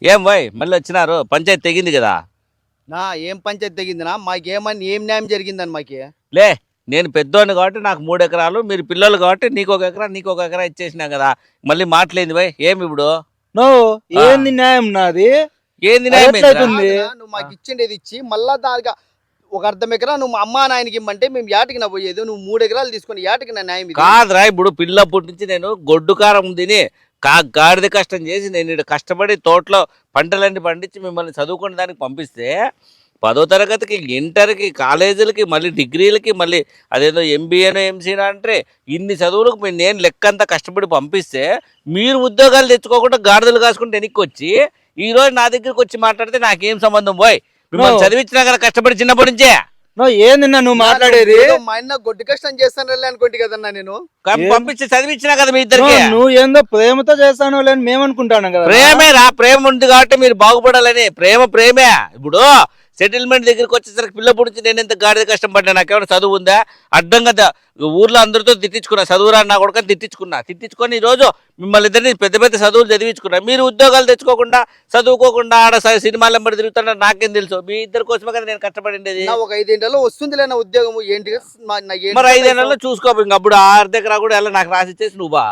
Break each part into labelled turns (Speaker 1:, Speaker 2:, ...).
Speaker 1: ఏం పోయ్ మళ్ళీ వచ్చినారు పంచాయతీ తెగింది కదా
Speaker 2: నా ఏం పంచాయతీ తెగిందినా మాకేమని ఏం న్యాయం జరిగిందని మాకి
Speaker 1: లే నేను పెద్దోడిని కాబట్టి నాకు 3 ఎకరాలు మీరు పిల్లలు కాబట్టి నీకు 1 ఎకరా నీకు 1 ఎకరా ఇచ్చేసినా కదా మళ్ళీ మాట్లాడింది పోయ్ ఏమి ఇప్పుడు
Speaker 3: ఏంది న్యాయం నాది?
Speaker 1: ఏంది న్యాయం ఏందిరా?
Speaker 3: ఎట్లయితుంది?
Speaker 2: నువ్వు మాకు ఇచ్చిండేది ఇచ్చి మళ్ళా దానిగా ఒక అర్ధం ఎకరా నువ్వు మా అమ్మా నాయనకి ఇమ్మంటే మేము యాటికి నా పోయేది నువ్వు 3 ఎకరాలు తీసుకొని యాటికి నా న్యాయం ఇది?
Speaker 1: కాదురా ఇప్పుడు పిల్లప్పటి నుంచి నేను గొడ్డు కారం తిని గాడిద కష్టం చేసి నేను ఇక్కడ కష్టపడి తోటలో పంటలన్నీ పండించి మిమ్మల్ని చదువుకునే దానికి పంపిస్తే 10వ తరగతికి ఇంటర్కి కాలేజీలకి మళ్ళీ డిగ్రీలకి మళ్ళీ అదేదో ఎంబీఏనో ఎంసీనో అంటే ఇన్ని చదువులకు నేను లెక్కంతా కష్టపడి పంపిస్తే మీరు ఉద్యోగాలు తెచ్చుకోకుండా గాడిదలు కాసుకుంటే వెనక్కి వచ్చి ఈ రోజు నా దగ్గరికి వచ్చి మాట్లాడితే నాకేం సంబంధం పోయ్ మిమ్మల్ని చదివించినా కదా కష్టపడి చిన్నప్పటి నుంచే
Speaker 3: ఏంది నువ్వు మాట్లాడేది?
Speaker 2: ఏదో మా అన్న గొడ్డు కష్టం చేస్తాను అనుకోండి కదన్నా నేను
Speaker 1: పంపించి చదివించినా కదా మీ ఇద్దరికి
Speaker 3: నువ్వు ఏందో ప్రేమతో చేస్తానో లేని మేమనుకుంటాను కదా.
Speaker 1: ప్రేమేరా ప్రేమ ఉంది కాబట్టి మీరు బాగుపడాలని ప్రేమే ఇప్పుడు సెటిల్మెంట్ దగ్గరికి వచ్చేసరికి పిల్ల పుడిచి నేను ఎంత గాడిద కష్టపడ్డా నాకేమైనా చదువు ఉందా అడ్డంగా ఊర్లో అందరితో తిట్టించుకున్నా చదువురా నా కొడుకు తిట్టించుకొని ఈ రోజు మిమ్మల్ని ఇద్దరిని పెద్ద పెద్ద చదువులు చదివించుకున్నా మీరు ఉద్యోగాలు తెచ్చుకోకుండా చదువుకోకుండా ఆడ సినిమాలు ఎంబడి తిరుగుతున్నా నాకేం తెలుసు మీ ఇద్దరి కోసమే కదా నేను కష్టపడిండేది
Speaker 2: ఒక 5 ఏళ్లలో వస్తుందిలే నా ఉద్యోగం ఏంటి
Speaker 1: మరి 5 ఏళ్లలో చూసుకో ఇంక అప్పుడు 6 దగ్గర కూడా ఎలా నాకు రాసిచ్చేసి నువ్వా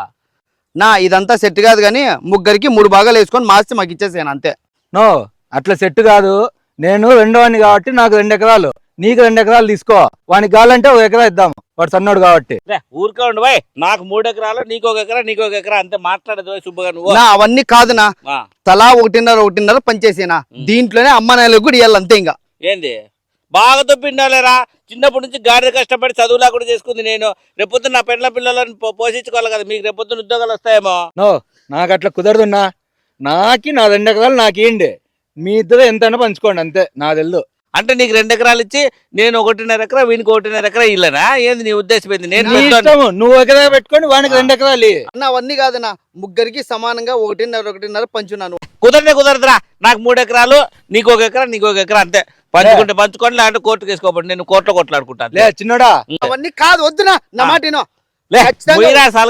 Speaker 2: నా ఇదంతా సెట్ కాదు కానీ ముగ్గురికి 3 భాగాలు వేసుకొని మార్చి మాకు ఇచ్చేసాను అంతే.
Speaker 3: నో అట్లా సెట్ కాదు. నేను రెండోవాడిని కాబట్టి నాకు 2 ఎకరాలు నీకు 2 ఎకరాలు తీసుకో. వానికి కావాలంటే 1 ఎకరా ఇద్దాం, వాడు సన్నోడు కాబట్టి.
Speaker 1: ఊరికే ఉండు బాయ్ నాకు 3 ఎకరాలు నీకు 1 ఎకరా నీకు 1 ఎకరా అంతే మాట్లాడదు శుభ్రంగా నువ్వు
Speaker 2: నా అవన్నీ కాదునా తలా 1.5 పనిచేసేనా దీంట్లోనే అమ్మ నాయనలకు కూడా ఇవ్వాలి అంతే. ఇంకా
Speaker 1: ఏంది బాగా తప్పిండాలేరా చిన్నప్పటి నుంచి గాడిద కష్టపడి చదువులా కూడా చేసుకుంది నేను రేపొద్దున నా పెండ్ల పిల్లలను పోషించుకోవాలి కదా మీకు రేపొద్దున ఉద్యోగాలు వస్తాయేమో.
Speaker 3: నో నాకు అట్లా కుదరదున్నా. నాకి నా 2 ఎకరాలు నాకేండి, మీ ఇద్దరు ఎంతైనా పంచుకోండి అంతే. నా తెలుదు
Speaker 1: అంటే నీకు 2 ఎకరాలు ఇచ్చి నేను 1.5 ఎకరా వీనికి 1.5 ఎకరా ఇల్లనా ఏంది నీ ఉద్దేశం ఏంది? నేను
Speaker 3: నువ్వు 1 ఎకరా పెట్టుకొని వానికి 2 ఎకరాలు
Speaker 2: అన్న అవన్నీ కాదన్నా ముగ్గురికి సమానంగా 1.5 పంచున్నాను.
Speaker 1: కుదరదురా నాకు 3 ఎకరాలు నీకు 1 ఎకరా నీకు 1 ఎకరా అంతే పంచుకుంటే పంచుకోండి లేదంటే కోర్టుకు వేసుకోబడి నేను కోర్టులో కొట్లాడుకుంటాను.
Speaker 3: లే చిన్నోడా
Speaker 2: అవన్నీ కాదు వద్దునా నా మాటేనో
Speaker 3: నాకు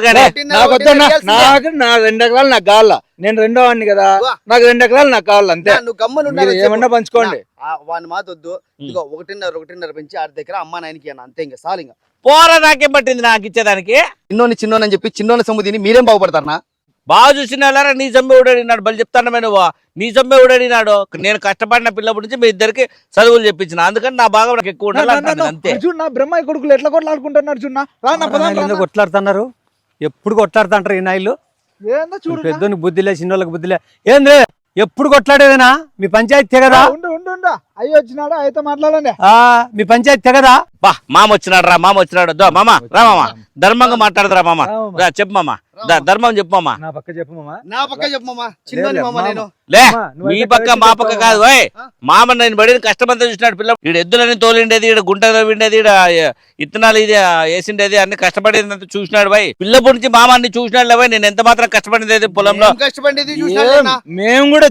Speaker 3: నా 2 ఎకరాలు నాకు కావాల. నేను రెండో వాడిని కదా, నాకు 2 ఎకరాలు నాకు కావాలి అంతే.
Speaker 2: నువ్వు
Speaker 3: ఏమన్నా పంచుకోండి.
Speaker 2: వాని మాట వద్దు. ఇదిగో 1.5 పెంచి 6 దగ్గర అమ్మ నాయనకి అన్న అంతే. ఇంకా సార్ ఇంకా
Speaker 1: పోరా నాకేం పట్టింది నాకు ఇచ్చేదానికి.
Speaker 2: చిన్నోని చెప్పి చిన్నోని సొమ్ము తిని మీరేం బాగుపడతారా?
Speaker 1: బాగా చూసిన నీ సొమ్మె ఊడడినాడు బలి చెప్తాను నువ్వు నీ సొమ్మె ఊడడినాడు. నేను కష్టపడిన పిల్లప్పటి నుంచి మీ ఇద్దరికి చదువులు చెప్పించిన అందుకని నా బాగా నాకు ఎక్కువ ఉండాలి అంతే.
Speaker 3: నా బ్రహ్మాయి కొడుకులు ఎట్లా కొట్లాడుకుంటున్నారు చూడ
Speaker 4: కొట్లాడుతున్నారు ఎప్పుడు కొట్లాడుతుంటారు ఈ నాయలు.
Speaker 3: ఏందో చూడు
Speaker 4: పెద్దోని బుద్ధిలే చిన్నోళ్ళకి బుద్ధిలే ఏంద్రే ఎప్పుడు కొట్లాడేదేనా మీ పంచాయతీ తెగదా?
Speaker 3: అయ్యి వచ్చినాడు అయితే మాట్లాడండి.
Speaker 4: మీ పంచాయతీ తెగదా?
Speaker 1: బా మామ వచ్చినాడు రా మామ వచ్చినాడు దో మామ రా మామ ధర్మంగా మాట్లాడదురా మామ చెప్పు మామ ధర్మం చెప్పు మామ.
Speaker 3: నా పక్క చెప్పు మామ.
Speaker 2: నా పక్క చెప్పు మామ. చిన్నోని మామ నేను
Speaker 1: లే మీ పక్క మా పక్క కాదు ఓయ్ మామ నేను పడిన కష్టమంతా చూసినాడు పిల్ల ఈడ ఎద్దులని తోలిండేది ఈడ గుంటలో విండేది ఈడ ఇత్తనాలు ఇది వేసిండేది అన్ని కష్టపడేది చూసినాడు బాయ్ పిల్లప్పటి నుంచి మామ అన్ని చూసినాడు బాయ్ నేను ఎంత మాత్రం కష్టపడేది పొలంలో
Speaker 2: కష్టపడేది
Speaker 3: మేము కూడా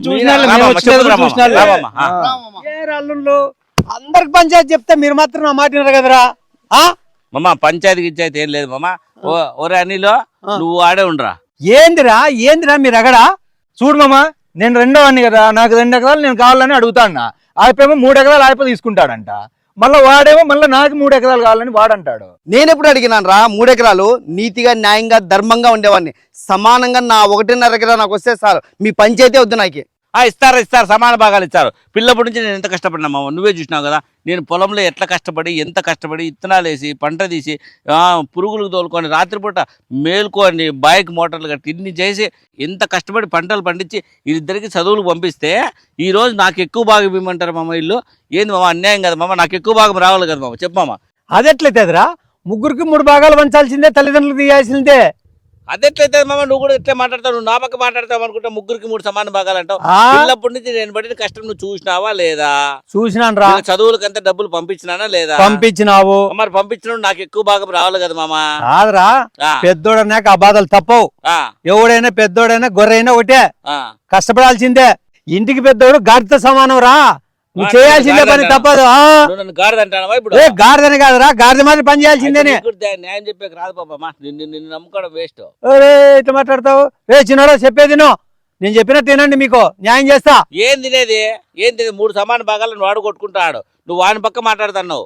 Speaker 4: అందరికి పంచాయతీ చెప్తే మీరు మాత్రం నా మాట వినరు కదరా.
Speaker 1: మామ పంచాయతీ గిచ్చాయితే ఏం లేదు మామ. ఓరే అనిలో నువ్వు ఆడే ఉండరా.
Speaker 4: ఏందిరా మీరు ఎగడా
Speaker 3: చూడు మామ, నేను రెండో వాడిని కదా, నాకు 2 ఎకరాలు నేను కావాలని అడుగుతాను. ఆయపేమో 3 ఎకరాలు ఆయప తీసుకుంటాడంట. మళ్ళీ వాడేమో మళ్ళీ నాకు 3 ఎకరాలు కావాలని వాడంటాడు.
Speaker 2: నేను ఎప్పుడు అడిగినాను రా 3 ఎకరాలు నీతిగా న్యాయంగా ధర్మంగా ఉండేవాడిని. సమానంగా నా 1.5 ఎకరా నాకు వస్తే సార్ మీ పంచాయతీ వద్దు నాకు.
Speaker 1: ఇస్తారు సమాన భాగాలు ఇస్తారు. పిల్లప్పటి నుంచి నేను ఎంత కష్టపడినా మామ నువ్వే చూసినావు కదా. నేను పొలంలో ఎట్లా కష్టపడి ఎంత కష్టపడి ఇత్తనాలు వేసి పంట తీసి పురుగులకు తోలుకొని రాత్రిపూట మేల్కొని బైక్ మోటార్లు కట్టి ఇన్ని చేసి ఎంత కష్టపడి పంటలు పండించి వీరిద్దరికి చదువులు పంపిస్తే ఈరోజు నాకు ఎక్కువ భాగం ఇవ్వమంటారు మామ. ఇల్లు ఏంది మామ అన్యాయం కదా మామ. నాకు ఎక్కువ భాగం రావాలి కదా మామ. చెప్పు మామ.
Speaker 4: అదెట్లయితేదిరా ముగ్గురికి 3 భాగాలు పంచాల్సిందే తల్లిదండ్రులు తీయాల్సిందే.
Speaker 1: అదెట్లయితే మామ నువ్వు కూడా ఎట్లా మాట్లాడతావు నువ్వు నా పక్క మాట్లాడతావు అనుకుంటా ముగ్గురికి 3 సమాన భాగాలు అంటావు. పిల్లప్పటి నుంచి నేను పడిన కష్టం నువ్వు చూసినావా లేదా?
Speaker 4: చూసినాను రా.
Speaker 1: చదువులకి అంత డబ్బులు పంపించినానా లేదా?
Speaker 4: పంపించినావు.
Speaker 1: మరి పంపించిన నాకు ఎక్కువ భాగం రావాలి కదా మామ.
Speaker 4: కాదురా పెద్దోడన్నాక ఆ బాధలు తప్పవు. ఎవడైనా పెద్దోడైనా గొర్రెైనా ఒకటే కష్టపడాల్సిందే. ఇంటికి పెద్దోడు గాడితో సమానం రా. నువ్వు చేయాల్సిందే పని తప్పదు. గాడిదని కాదురా గాడిద మాదిరి పని చేయాల్సిందే.
Speaker 1: న్యాయం చెప్పేకి రాదు పాపమ్మా నిన్ను నమ్ముకోవడం వేస్ట్.
Speaker 4: ఇట్లా మాట్లాడతావు రే చిన్నోడా చెప్పేది నువ్వు నేను చెప్పినట్టు ఏనండి మీకు న్యాయం చేస్తా.
Speaker 1: ఏం తినేది 3 సమాన భాగాలను వాడు కొట్టుకుంటాడు, నువ్వు వాని పక్క మాట్లాడుతున్నావు.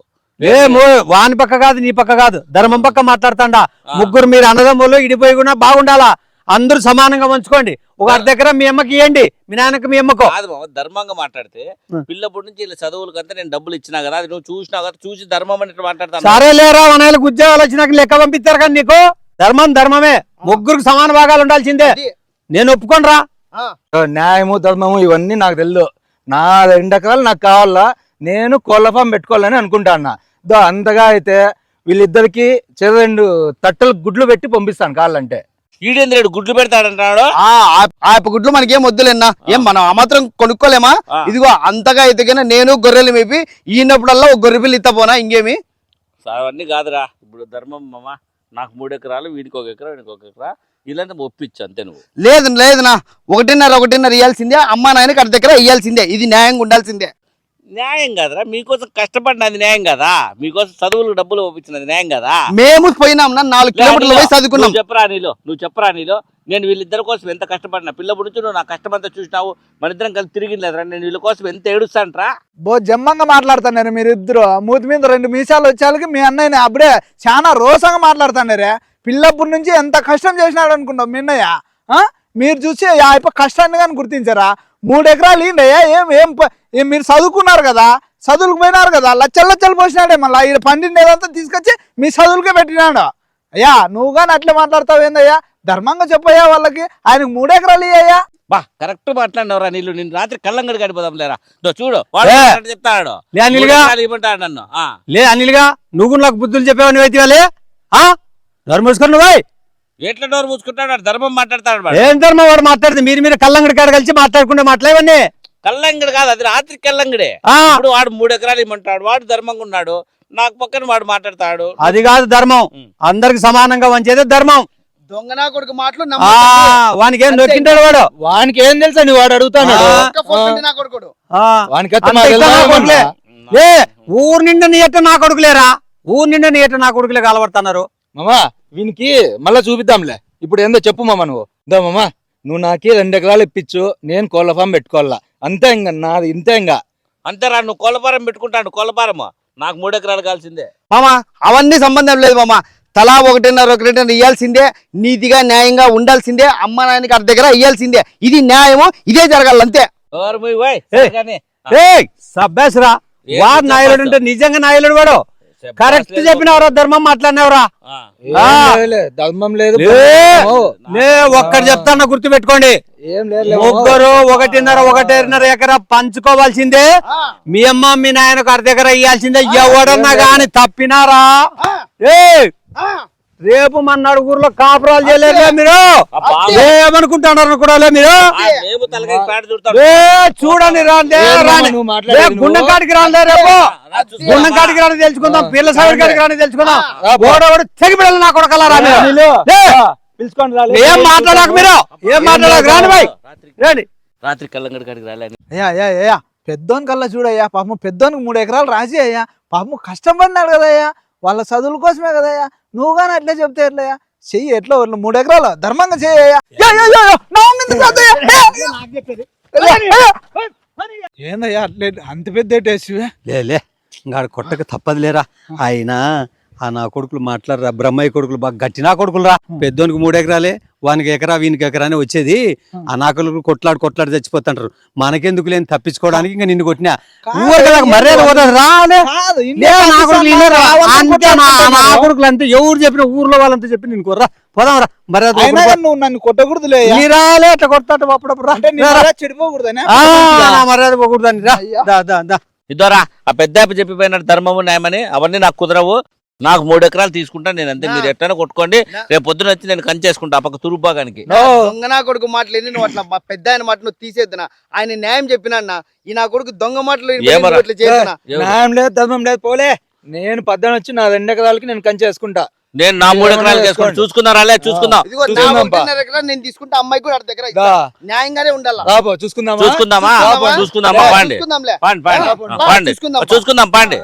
Speaker 4: వాని పక్క కాదు నీ పక్క కాదు, ధర్మం పక్క మాట్లాడుతాండా. ముగ్గురు మీరు అన్నదమ్ములు ఇడిపోయి కూడా బాగుండాలా, అందరూ సమానంగా ఉంచుకోండి. ఒక అర్ధ ఎకరం మీ అమ్మకి ఇవ్వండి, మీ నాన్నకి మీ అమ్మకు.
Speaker 1: కాదు మామ, ధర్మంగా మాట్లాడితే పిల్లప్పటి నుంచి ఇలా చదువులకంతా నేను డబ్బులు ఇచ్చినా కదా, అది నువ్వు చూసినావు కదా, చూసి ధర్మం అని మాట్లాడతాను.
Speaker 4: సరే లేరా, వనాలకు ఉద్యోగాలు వచ్చినాక లెక్క పంపిస్తారు కానీ నీకు ధర్మం ధర్మమే, ముగ్గురికి సమాన భాగాలు ఉండాల్సిందే. నేను ఒప్పుకోనరా.
Speaker 3: న్యాయము ధర్మము ఇవన్నీ నాకు తెలియదు. నా 2 ఎకరాలు నాకు కావాలా, నేను కోళ్ళ ఫామ్ పెట్టుకోవాలని అనుకుంటా అన్న. అంతగా అయితే వీళ్ళిద్దరికి 2 తట్టలు గుడ్లు పెట్టి పంపిస్తాను కావాలంటే.
Speaker 1: ఈడేంద్రుడు గుడ్లు పెడతాడంటాడు.
Speaker 2: ఆ గుడ్లు మనకేం వద్దులేనా, ఏం మనం ఆ మాత్రం కొనుక్కోలేమా? ఇదిగో అంతగా అయితే నేను గొర్రెలు మేపి ఈనప్పుడల్లా ఒక గొర్రె పిల్ల ఇత్తపోనా, ఇంకేమి
Speaker 1: అవన్నీ కాదురా. ఇప్పుడు ధర్మం మామ, నాకు 3 ఎకరాలు, వీడికి 1 ఎకరా, వీడికి 1 ఎకరా, ఇలాంటి ఒప్పించు అంతే. నువ్వు
Speaker 2: లేదునా, 1.5 ఇవ్వాల్సిందే, అమ్మా నాయనకి అర్ధ దగ్గర ఇవ్వాల్సిందే, ఇది న్యాయంగా ఉండాల్సిందే.
Speaker 1: న్యాయం కాదురా, మీకోసం కష్టపడినది న్యాయం కదా, మీకోసం చదువులకు డబ్బులు పంపించినది న్యాయం కదా.
Speaker 2: మేము పోయినాం 4 కిలోమీటర్ల పోయి చదువుకున్నాం.
Speaker 1: నువ్వు చెప్పరా నీలో నేను వీళ్ళిద్దరి కోసం ఎంత కష్టపడినా, పిల్లప్పటి నుంచి నువ్వు నా కష్టమంతా చూసినావు, మన ఇద్దరం కలిసి తిరిగి లేదురా, నేను వీళ్ళ కోసం ఎంత ఏడుస్తాంట్రా.
Speaker 3: జమ్మంగా మాట్లాడుతున్నారు మీరు ఇద్దరు. మూతి మీద 2 మీసాలు వచ్చేళ్ళకి మీ అన్నయ్యని అప్పుడే చాలా రోసంగా మాట్లాడుతున్నారే. పిల్లప్పటి నుంచి ఎంత కష్టం చేసినాడు అనుకుంటావు మీ అన్నయ్య. మీరు చూసి కష్టాన్ని కానీ గుర్తించారా? 3 ఎకరాలు ఏంటయ్యా, ఏం మీరు చదువుకున్నారు కదా, చదువులకు పోయినారు కదా, లచ్చలు పోసినాడే. మళ్ళీ ఈడ పండిండేదంతా తీసుకొచ్చి మీ చదువులకే పెట్టినాడు. అయ్యా నువ్వు కానీ అట్లే మాట్లాడతావు ఏందయ్యా? ధర్మంగా చెప్పయ్యా వాళ్ళకి, ఆయనకు 3 ఎకరాలు ఇయ్యా.
Speaker 1: బా కరెక్ట్ మాట్లాడినవరా నీళ్ళు. నేను రాత్రి కళ్ళంగడి గడిపోదాం లేరా, చూడు చెప్తాడు ఇవ్వమంటాడు నన్ను.
Speaker 4: లే అనిల్గా, నువ్వు నాకు బుద్ధులు చెప్పేవాడిని అయితే ధర్మ మూసుకొని నువ్వు
Speaker 1: ఎట్లా డోర్ మూసుకుంటాడు, ధర్మం మాట్లాడతాడు.
Speaker 4: ఏం ధర్మం వాడు మాట్లాడితే మీరు కళ్ళంగడి కాడ కలిసి మాట్లాడుకుంటే మాట్లాడేవన్నీ
Speaker 1: కళ్ళంగడి కాదు, అది రాత్రి కళ్ళంగడే. ఇప్పుడు వాడు 3 ఎకరాలు ఇమ్మంటాడు, వాడు ధర్మంగా ఉన్నాడు, నాకు పక్కన వాడు మాట్లాడతాడు.
Speaker 4: అది కాదు ధర్మం, అందరికి సమానంగా వంచేదే ధర్మం.
Speaker 2: దొంగనా కొడుకు మాటలు
Speaker 4: వానికి ఏం దొరికింటాడు వాడు,
Speaker 3: వానికి ఏం తెలుసా నీ వాడు అడుగుతాడు.
Speaker 4: ఊరు నిండా నీ ఎట్ట నా కొడుకులేరా, ఊరు నిండా నీ ఎట్ట నా కొడుకులే కాలబడుతున్నారు.
Speaker 3: మామా వీనికి మళ్ళా చూపిద్దాంలే, ఇప్పుడు ఏందో చెప్పు మామ. మామా నువ్వు నాకి 2 ఎకరాలు ఇప్పించు, నేను కోళ్ళ ఫామ్ పెట్టుకోవాలా అంతే. ఇంకా నాది ఇంతే. ఇంకా
Speaker 1: అంతేరా, నువ్వు కోళ్ళపారం పెట్టుకుంటాడు, కోళ్ళపారం నాకు 3 ఎకరాలు కావాల్సిందే.
Speaker 2: మామా అవన్నీ సంబంధం లేదు మామ, తలా 1.5 ఇవ్వాల్సిందే, నీతిగా న్యాయంగా ఉండాల్సిందే, అమ్మ నాయనకి అర్ధ దగ్గర ఇవ్వాల్సిందే. ఇది న్యాయము, ఇదే జరగాలి అంతే.
Speaker 4: సబ్బేసరా, వాడు నాయలుడు అంటే నిజంగా నాయలుడు వాడు. కరెక్ట్ చెప్పినవరా, ధర్మం మాట్లాడినవరా.
Speaker 3: ధర్మం లేదు,
Speaker 4: ఒక్కటి చెప్తాను గుర్తు పెట్టుకోండి, ముగ్గురు 1.5 ఎకరా పంచుకోవాల్సిందే. మీ అమ్మ మీ నాయనకు అర్ధ ఎకరా ఇవ్వాల్సిందే. ఎవడన్నా గాని తప్పినారా రేపు మన నలుగురులో కాపురాలు చేయలేరు మీరు. ఏమనుకుంటున్నారు కూడా మీరు, చూడండి గుండం కాడికి రాలే, రేపు గుండం కాడికి రాని తెలుసుకుందాం, పిల్ల సైడ్ కాడికి రాని తెలుసుకుందాం. ఓడోడు తెగి పిల్లలు నా కొడకలారా ఏం మాట్లాడాక మీరు, ఏం మాట్లాడాక రాని బాయ్ రండి.
Speaker 1: రాత్రి కళ్ళంగడి కాడికి రాలేని
Speaker 3: అయ్యా పెద్దోని కల్లా చూడయ్యా, పాపం పెద్దోనికి 3 ఎకరాలు రాసి అయ్యా, పాపం కష్టపడినాడు కదయ్యా, వాళ్ళ చదువుల కోసమే కదయ్యా. నువ్వు కానీ అట్లే చెప్తే ఎట్లయ్యా? చెయ్యి ఎట్లా 3 ఎకరాలు ధర్మంగా చెయ్యయ్యా. ఏందయ్యా అట్లే అంత పెద్ద
Speaker 4: లే ఇంకా కొట్టక తప్పదు లేరా. అయినా ఆ నా కొడుకులు మాట్లాడరా, బ్రహ్మయ్య కొడుకులు బాగా గట్టి నా కొడుకులు రా. పెద్దోనికి 3 ఎకరాలే, వానికి ఎకరా వీనికి ఎకరా అని వచ్చేది. ఆ నా కొడుకులు కొట్లాడి చచ్చిపోతుంటారు. మనకెందుకు లేని తప్పించుకోవడానికి ఇంకా నిన్ను కొట్టినా మర్యాద కొడుకులు అంతే. ఎవరు చెప్పిన ఊర్లో వాళ్ళంతా చెప్పి నేను కొర్రా పోదాం రా, మర్యాద.
Speaker 3: నువ్వు నన్ను కొట్టకూడదు,
Speaker 4: రాలే అట్లా కొడతాడు అప్పుడప్పుడు,
Speaker 3: చెడిపోకూడదని
Speaker 4: మర్యాద పోకూడదని రా.
Speaker 1: ఇద్దరా ఆ పెద్ద చెప్పిపోయినాడు ధర్మము న్యాయమని, అవన్నీ నాకు కుదరవు. నాకు 3 ఎకరాలు తీసుకుంటా నేను అంతే, మీరు ఎట్లైనా కొట్టుకోండి. రేపు పొద్దున వచ్చి నేను కంచేసుకుంటా ఆ పక్క తురుబాగానికి.
Speaker 2: దొంగనా కొడుకు మాటలేని నువ్వు అట్లా మా పెద్ద ఆయన మాట నువ్వు తీసేద్దునా, ఆయన న్యాయం చెప్పినా ఈ నా కొడుకు దొంగ మాటలు
Speaker 3: న్యాయం లేదు ధర్మం లేదు. పోలే నేను 10 వచ్చి నా 2 ఎకరాలకి నేను కంచేసుకుంటా.
Speaker 1: నేను నా 3 ఎకరాలు చేసుకుంటా. చూసుకుందాం రాలే, చూసుకుందాం.
Speaker 2: నేను తీసుకుంటా, అమ్మాయి కూడా దగ్గర న్యాయంగానే ఉండాలి.
Speaker 1: చూసుకుందామా పాండి, చూసుకుందాం పాండి.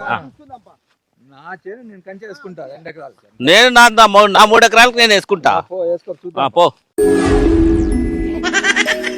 Speaker 1: నేను నా 3 ఎకరాలకు నేను వేసుకుంటా. పో